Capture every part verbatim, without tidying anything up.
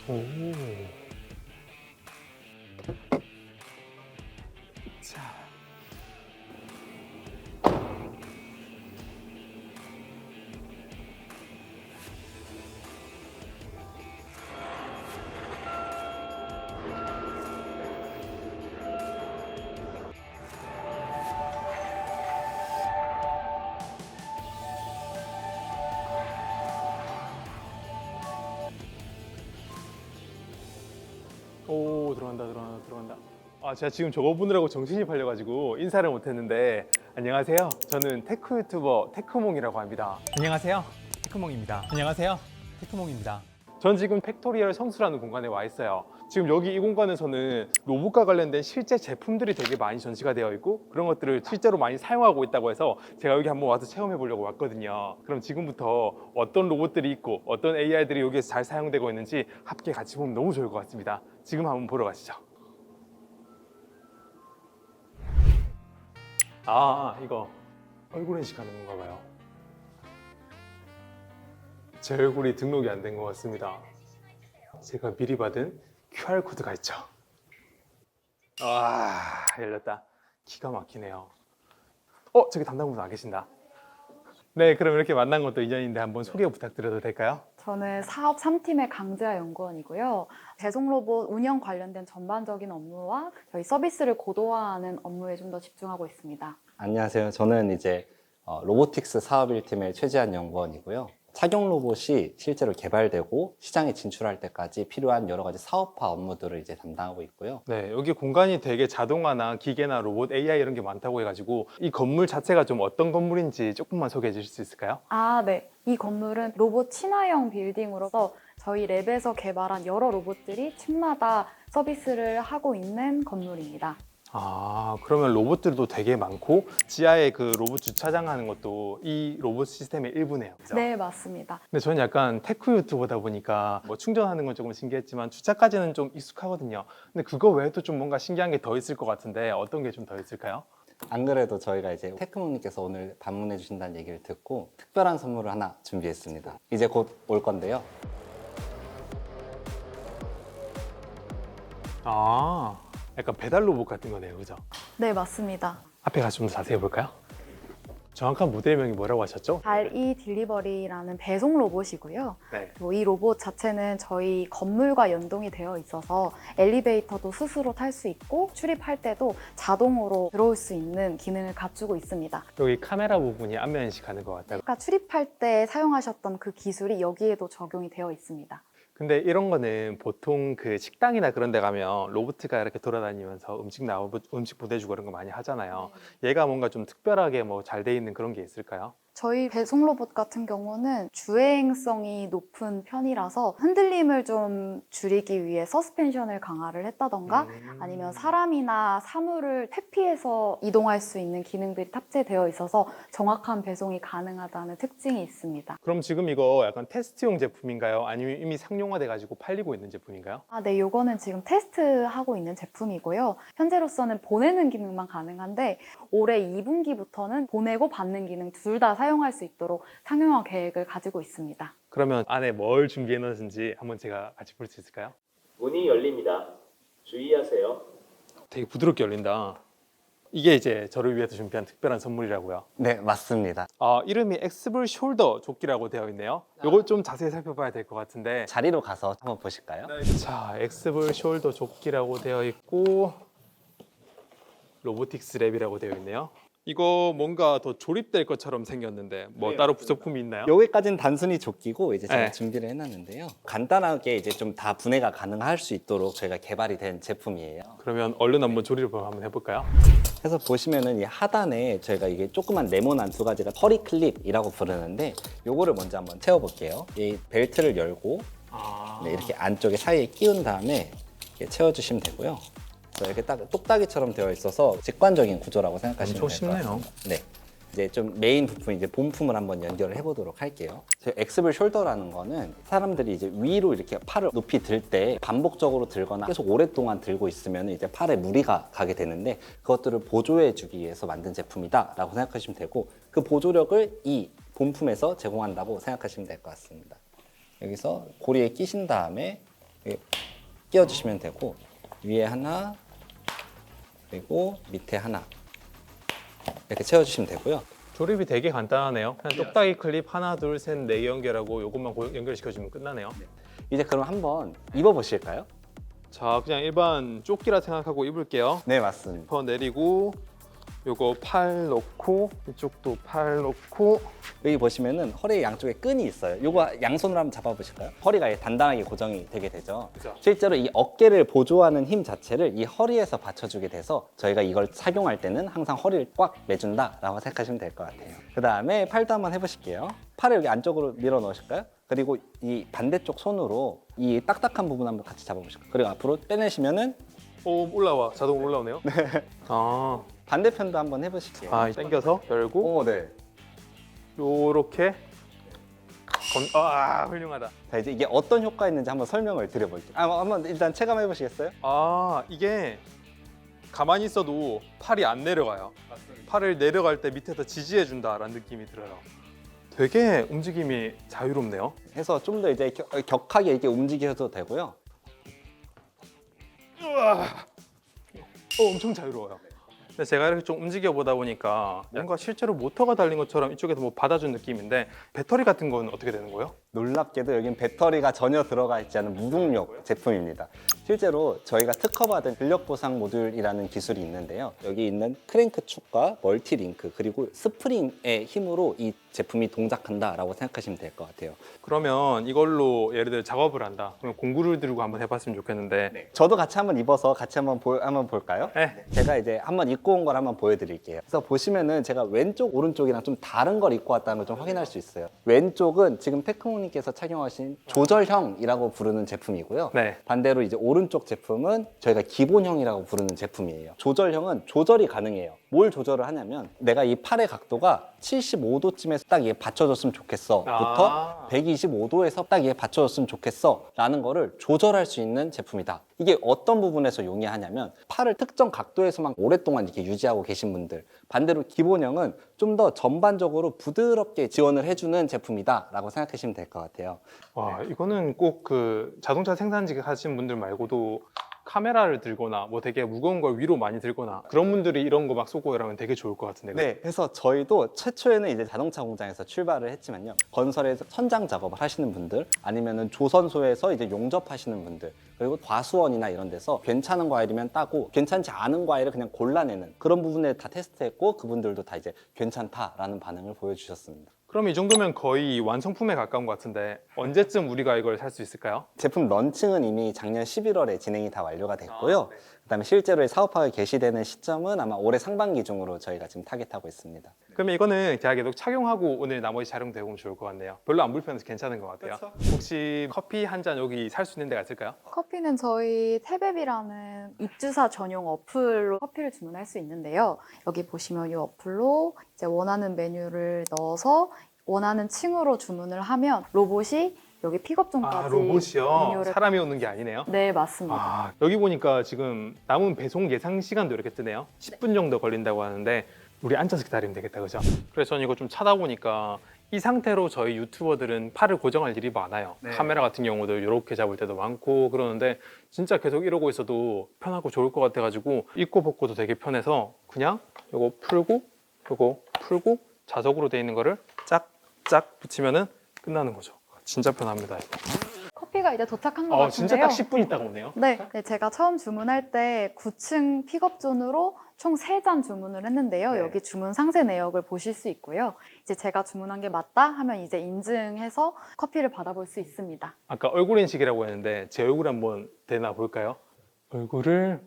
오. 자. 오, 들어간다, 들어간다, 들어간다. 아, 제가 지금 저거 보느라고 정신이 팔려가지고 인사를 못했는데, 안녕하세요. 저는 테크 유튜버 테크몽이라고 합니다. 안녕하세요. 테크몽입니다. 안녕하세요. 테크몽입니다. 전 지금 팩토리얼 성수라는 공간에 와 있어요. 지금 여기 이 공간에서는 로봇과 관련된 실제 제품들이 되게 많이 전시가 되어 있고 그런 것들을 실제로 많이 사용하고 있다고 해서 제가 여기 한번 와서 체험해 보려고 왔거든요. 그럼 지금부터 어떤 로봇들이 있고 어떤 에이아이들이 여기에서 잘 사용되고 있는지 함께 같이 보면 너무 좋을 것 같습니다. 지금 한번 보러 가시죠. 아, 이거 얼굴 인식하는 건가 봐요. 제 얼굴이 등록이 안 된 것 같습니다. 제가 미리 받은 큐알 코드가 있죠. 와, 열렸다. 기가 막히네요. 어, 저기 담당분 안 계신다. 네, 그럼 이렇게 만난 것도 인연인데 한번 소개 부탁드려도 될까요? 저는 사업 삼 팀의 강지아 연구원이고요. 배송 로봇 운영 관련된 전반적인 업무와 저희 서비스를 고도화하는 업무에 좀 더 집중하고 있습니다. 안녕하세요. 저는 이제 어, 로보틱스 사업 일 팀의 최지한 연구원이고요. 착용 로봇이 실제로 개발되고 시장에 진출할 때까지 필요한 여러 가지 사업화 업무들을 이제 담당하고 있고요. 네, 여기 공간이 되게 자동화나 기계나 로봇, 에이아이 이런 게 많다고 해가지고 이 건물 자체가 좀 어떤 건물인지 조금만 소개해 주실 수 있을까요? 아, 네. 이 건물은 로봇 친화형 빌딩으로서 저희 랩에서 개발한 여러 로봇들이 층마다 서비스를 하고 있는 건물입니다. 아, 그러면 로봇들도 되게 많고 지하에 그 로봇 주차장 하는 것도 이 로봇 시스템의 일부네요. 그죠? 네, 맞습니다. 근데 저는 약간 테크 유튜버다 보니까 뭐 충전하는 건 조금 신기했지만 주차까지는 좀 익숙하거든요. 근데 그거 외에도 좀 뭔가 신기한 게 더 있을 것 같은데 어떤 게 좀 더 있을까요? 안 그래도 저희가 이제 테크모님께서 오늘 방문해 주신다는 얘기를 듣고 특별한 선물을 하나 준비했습니다. 이제 곧 올 건데요. 아, 약간 배달 로봇 같은 거네요. 그죠? 네, 맞습니다. 앞에 가서 좀 더 자세히 볼까요? 정확한 모델명이 뭐라고 하셨죠? 달이 딜리버리라는 배송 로봇이고요. 네. 그리고 이 로봇 자체는 저희 건물과 연동이 되어 있어서 엘리베이터도 스스로 탈 수 있고 출입할 때도 자동으로 들어올 수 있는 기능을 갖추고 있습니다. 여기 카메라 부분이 안면 인식하는 것 같다고. 아까 출입할 때 사용하셨던 그 기술이 여기에도 적용이 되어 있습니다. 근데 이런 거는 보통 그 식당이나 그런 데 가면 로봇가 이렇게 돌아다니면서 음식 나오 음식 보내주고 그런 거 많이 하잖아요. 얘가 뭔가 좀 특별하게 뭐 잘 돼 있는 그런 게 있을까요? 저희 배송 로봇 같은 경우는 주행성이 높은 편이라서 흔들림을 좀 줄이기 위해 서스펜션을 강화를 했다던가 음. 아니면 사람이나 사물을 퇴피해서 이동할 수 있는 기능들이 탑재되어 있어서 정확한 배송이 가능하다는 특징이 있습니다. 그럼 지금 이거 약간 테스트용 제품인가요? 아니면 이미 상용화돼 가지고 팔리고 있는 제품인가요? 아, 네, 요거는 지금 테스트하고 있는 제품이고요. 현재로서는 보내는 기능만 가능한데 올해 이 분기부터는 보내고 받는 기능 둘 다 사용할 수 있도록 상용화 계획을 가지고 있습니다. 그러면 안에 뭘 준비해 놓으신지 한번 제가 같이 볼 수 있을까요? 문이 열립니다. 주의하세요. 되게 부드럽게 열린다. 이게 이제 저를 위해서 준비한 특별한 선물이라고요. 네, 맞습니다. 아, 이름이 엑스블 숄더 조끼라고 되어 있네요. 이거 좀 자세히 살펴봐야 될 것 같은데. 자리로 가서 한번 보실까요? 자, 엑스블 숄더 조끼라고 되어 있고 로보틱스 랩이라고 되어 있네요. 이거 뭔가 더 조립될 것처럼 생겼는데 뭐 따로 부속품이 있나요? 여기까지는 단순히 조끼고 이제 제가 네. 준비를 해놨는데요. 간단하게 이제 좀 다 분해가 가능할 수 있도록 저희가 개발이 된 제품이에요. 그러면 얼른 한번 조립을 한번 해볼까요? 그래서 보시면은 이 하단에 저희가 이게 조그만 네모난 두 가지가 허리 클립이라고 부르는데 요거를 먼저 한번 채워볼게요. 이 벨트를 열고 아, 네, 이렇게 안쪽에 사이에 끼운 다음에 이렇게 채워주시면 되고요. 그래서 이렇게 딱 똑딱이처럼 되어 있어서 직관적인 구조라고 생각하시면 엄청 될 것 쉽네요. 같습니다. 네. 이제 좀 메인 부분 이제 본품을 한번 연결을 해보도록 할게요. 엑스블 숄더라는 거는 사람들이 이제 위로 이렇게 팔을 높이 들 때 반복적으로 들거나 계속 오랫동안 들고 있으면 이제 팔에 무리가 가게 되는데 그것들을 보조해주기 위해서 만든 제품이다라고 생각하시면 되고 그 보조력을 이 본품에서 제공한다고 생각하시면 될 것 같습니다. 여기서 고리에 끼신 다음에 이렇게 끼워주시면 되고 위에 하나 그리고 밑에 하나 이렇게 채워주시면 되고요. 조립이 되게 간단하네요. 그냥 똑딱이 클립 하나, 둘, 셋, 네 개 연결하고 이것만 고- 연결시켜주면 끝나네요. 이제 그럼 한번 입어보실까요? 자, 그냥 일반 조끼라 생각하고 입을게요. 네, 맞습니다. 더 내리고 요거 팔 넣고 이쪽도 팔 넣고 여기 보시면은 허리 양쪽에 끈이 있어요. 요거 양손으로 한번 잡아보실까요? 허리가 단단하게 고정이 되게 되죠. 그죠. 실제로 이 어깨를 보조하는 힘 자체를 이 허리에서 받쳐주게 돼서 저희가 이걸 착용할 때는 항상 허리를 꽉 매준다라고 생각하시면 될 것 같아요. 그 다음에 팔도 한번 해보실게요. 팔을 여기 안쪽으로 밀어 넣으실까요? 그리고 이 반대쪽 손으로 이 딱딱한 부분 한번 같이 잡아보실까요? 그리고 앞으로 빼내시면은 오, 올라와. 자동으로 올라오네요. 네. 아, 반대편도 한번 해보실게요. 아 당겨서 열고 오, 네. 요렇게 건... 아, 훌륭하다. 자, 이제 이게 어떤 효과가 있는지 한번 설명을 드려볼게요. 아, 한번 일단 체감해 보시겠어요? 아, 이게 가만히 있어도 팔이 안 내려가요. 팔을 내려갈 때 밑에서 지지해 준다라는 느낌이 들어요. 되게 움직임이 자유롭네요. 해서 좀 더 이제 격, 격하게 이렇게 움직여도 되고요. 어, 엄청 자유로워요. 근데 제가 이렇게 좀 움직여 보다 보니까 뭔가 실제로 모터가 달린 것처럼 이쪽에서 뭐 받아준 느낌인데 배터리 같은 건 어떻게 되는 거예요? 놀랍게도 여긴 배터리가 전혀 들어가 있지 않은 무동력 제품입니다. 실제로 저희가 특허받은 근력 보상 모듈이라는 기술이 있는데요. 여기 있는 크랭크 축과 멀티 링크 그리고 스프링의 힘으로 이 제품이 동작한다라고 생각하시면 될 것 같아요. 그러면 이걸로 예를 들어 작업을 한다. 그럼 공구를 들고 한번 해봤으면 좋겠는데. 저도 같이 한번 입어서 같이 한번 보, 한번 볼까요? 네. 제가 이제 한번 입고 온 걸 한번 보여드릴게요. 그래서 보시면은 제가 왼쪽 오른쪽이랑 좀 다른 걸 입고 왔다는 걸 좀 확인할 수 있어요. 왼쪽은 지금 테크모님께서 착용하신 조절형이라고 부르는 제품이고요. 네. 반대로 이제 오른쪽 제품은 저희가 기본형이라고 부르는 제품이에요. 조절형은 조절이 가능해요. 뭘 조절을 하냐면 내가 이 팔의 각도가 칠십오 도쯤에서 딱 이게 받쳐줬으면 좋겠어 부터 아. 백이십오 도에서 딱 이게 받쳐줬으면 좋겠어 라는 거를 조절할 수 있는 제품이다. 이게 어떤 부분에서 용이하냐면 팔을 특정 각도에서만 오랫동안 이렇게 유지하고 계신 분들, 반대로 기본형은 좀 더 전반적으로 부드럽게 지원을 해주는 제품이다 라고 생각하시면 될 것 같아요. 와, 이거는 꼭 그 자동차 생산직 하시는 분들 말고도 카메라를 들거나 뭐 되게 무거운 걸 위로 많이 들거나 그런 분들이 이런 거 막 쏘고 이러면 되게 좋을 것 같은데. 네, 그래서 저희도 최초에는 이제 자동차 공장에서 출발을 했지만요. 건설에서 천장 작업을 하시는 분들, 아니면은 조선소에서 이제 용접하시는 분들, 그리고 과수원이나 이런 데서 괜찮은 과일이면 따고 괜찮지 않은 과일을 그냥 골라내는 그런 부분에 다 테스트했고 그분들도 다 이제 괜찮다라는 반응을 보여주셨습니다. 그럼 이 정도면 거의 완성품에 가까운 것 같은데 언제쯤 우리가 이걸 살 수 있을까요? 제품 런칭은 이미 작년 십일월에 진행이 다 완료가 됐고요. 아, 네. 그다음에 실제로 사업화가 개시되는 시점은 아마 올해 상반기 중으로 저희가 지금 타겟하고 있습니다. 그러면 이거는 제가 계속 착용하고 오늘 나머지 촬영도 해보면 좋을 것 같네요. 별로 안 불편해서 괜찮은 것 같아요. 혹시 커피 한 잔 여기 살 수 있는 데가 있을까요? 커피는 저희 태베비라는 입주사 전용 어플로 커피를 주문할 수 있는데요. 여기 보시면 이 어플로 이제 원하는 메뉴를 넣어서 원하는 층으로 주문을 하면 로봇이 여기 픽업존까지 아, 로봇이요? 메뉴를... 사람이 오는 게 아니네요? 네, 맞습니다. 아, 여기 보니까 지금 남은 배송 예상 시간도 이렇게 뜨네요. 십 분 정도 걸린다고 하는데 우리 앉아서 기다리면 되겠다, 그죠? 그래서 저는 이거 좀 찾아보니까 이 상태로 저희 유튜버들은 팔을 고정할 일이 많아요. 네. 카메라 같은 경우도 이렇게 잡을 때도 많고 그러는데 진짜 계속 이러고 있어도 편하고 좋을 것 같아가지고 입고 벗고도 되게 편해서 그냥 이거 풀고 이거 풀고 자석으로 돼 있는 거를 짝짝 붙이면은 끝나는 거죠. 진짜 편합니다. 이거. 커피가 이제 도착한 것 어, 같은데요. 진짜 딱 십 분 있다가 오네요. 네, 네, 제가 처음 주문할 때 구 층 픽업존으로 총 세 잔 주문을 했는데요. 네. 여기 주문 상세 내역을 보실 수 있고요. 이제 제가 주문한 게 맞다 하면 이제 인증해서 커피를 받아볼 수 있습니다. 아까 얼굴 인식이라고 했는데 제 얼굴 한번 되나 볼까요? 얼굴을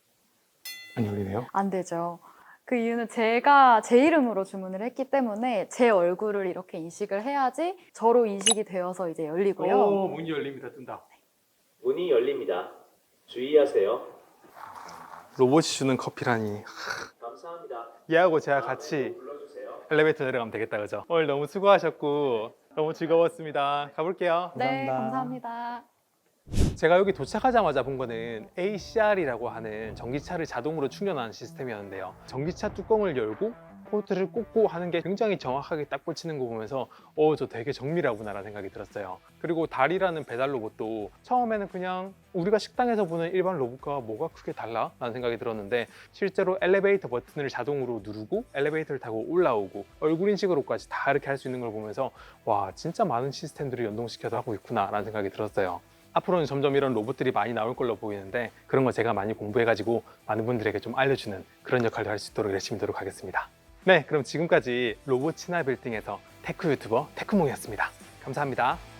안 열리네요. 안 되죠. 그 이유는 제가 제 이름으로 주문을 했기 때문에 제 얼굴을 이렇게 인식을 해야지 저로 인식이 되어서 이제 열리고요. 오, 문이 열립니다. 뜬다. 문이 열립니다. 주의하세요. 로봇이 주는 커피라니. 감사합니다. 얘하고 제가 같이 불러주세요. 엘리베이터 내려가면 되겠다, 그죠? 오늘 너무 수고하셨고 너무 즐거웠습니다. 가볼게요. 네, 감사합니다. 감사합니다. 제가 여기 도착하자마자 본 거는 에이씨알이라고 하는 전기차를 자동으로 충전하는 시스템이었는데요. 전기차 뚜껑을 열고 포트를 꽂고 하는 게 굉장히 정확하게 딱 꽂히는 거 보면서 어, 저 되게 정밀하구나라는 생각이 들었어요. 그리고 달이라는 배달 로봇도 처음에는 그냥 우리가 식당에서 보는 일반 로봇과 뭐가 크게 달라? 라는 생각이 들었는데 실제로 엘리베이터 버튼을 자동으로 누르고 엘리베이터를 타고 올라오고 얼굴 인식으로까지 다 이렇게 할 수 있는 걸 보면서 와, 진짜 많은 시스템들을 연동시켜서 하고 있구나 라는 생각이 들었어요. 앞으로는 점점 이런 로봇들이 많이 나올 걸로 보이는데 그런 거 제가 많이 공부해가지고 많은 분들에게 좀 알려주는 그런 역할을 할 수 있도록 열심히 노력하겠습니다. 네, 그럼 지금까지 로봇 친화 빌딩에서 테크 유튜버 테크몽이었습니다. 감사합니다.